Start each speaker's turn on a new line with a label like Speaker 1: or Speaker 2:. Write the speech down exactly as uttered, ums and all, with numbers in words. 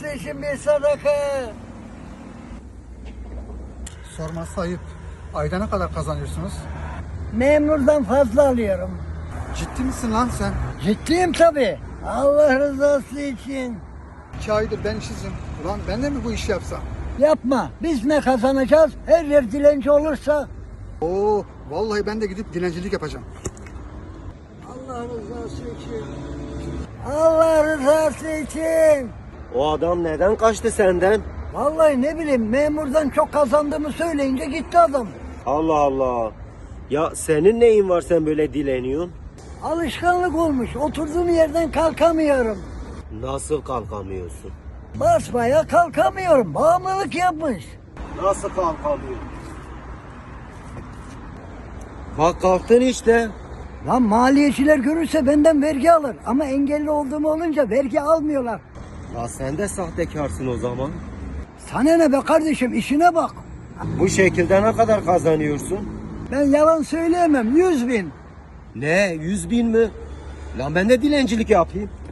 Speaker 1: rızası için bir sadaka.
Speaker 2: Sorması ayıp. Ayda ne kadar kazanıyorsunuz?
Speaker 1: Memurdan fazla alıyorum.
Speaker 2: Ciddi misin lan sen?
Speaker 1: Ciddiyim tabii. Allah rızası için.
Speaker 2: İki aydır ben işsizim. Ulan ben de mi bu işi yapsam?
Speaker 1: Yapma. Biz ne kazanacağız? Her yer dilenci olursa.
Speaker 2: Oo, vallahi ben de gidip dilencilik yapacağım.
Speaker 1: Allah rızası için. Allah rızası için.
Speaker 3: O adam neden kaçtı senden?
Speaker 1: Vallahi ne bileyim memurdan çok kazandığımı söyleyince gitti adam.
Speaker 3: Allah Allah. Ya senin neyin var sen böyle dileniyorsun?
Speaker 1: Alışkanlık olmuş. Oturduğum yerden kalkamıyorum.
Speaker 3: Nasıl kalkamıyorsun?
Speaker 1: Basmaya kalkamıyorum. Bağımlılık yapmış.
Speaker 3: Nasıl kalkamıyorsun? Bak kalktın işte.
Speaker 1: Lan maliyeciler görürse benden vergi alır. Ama engelli olduğum olunca vergi almıyorlar.
Speaker 3: Ya sen de sahtekarsın o zaman.
Speaker 1: Sana ne be kardeşim, işine bak.
Speaker 3: Bu şekilde ne kadar kazanıyorsun?
Speaker 1: Ben yalan söyleyemem. Yüz bin.
Speaker 3: Ne? Yüz bin mi? Lan ben de dilencilik yapayım.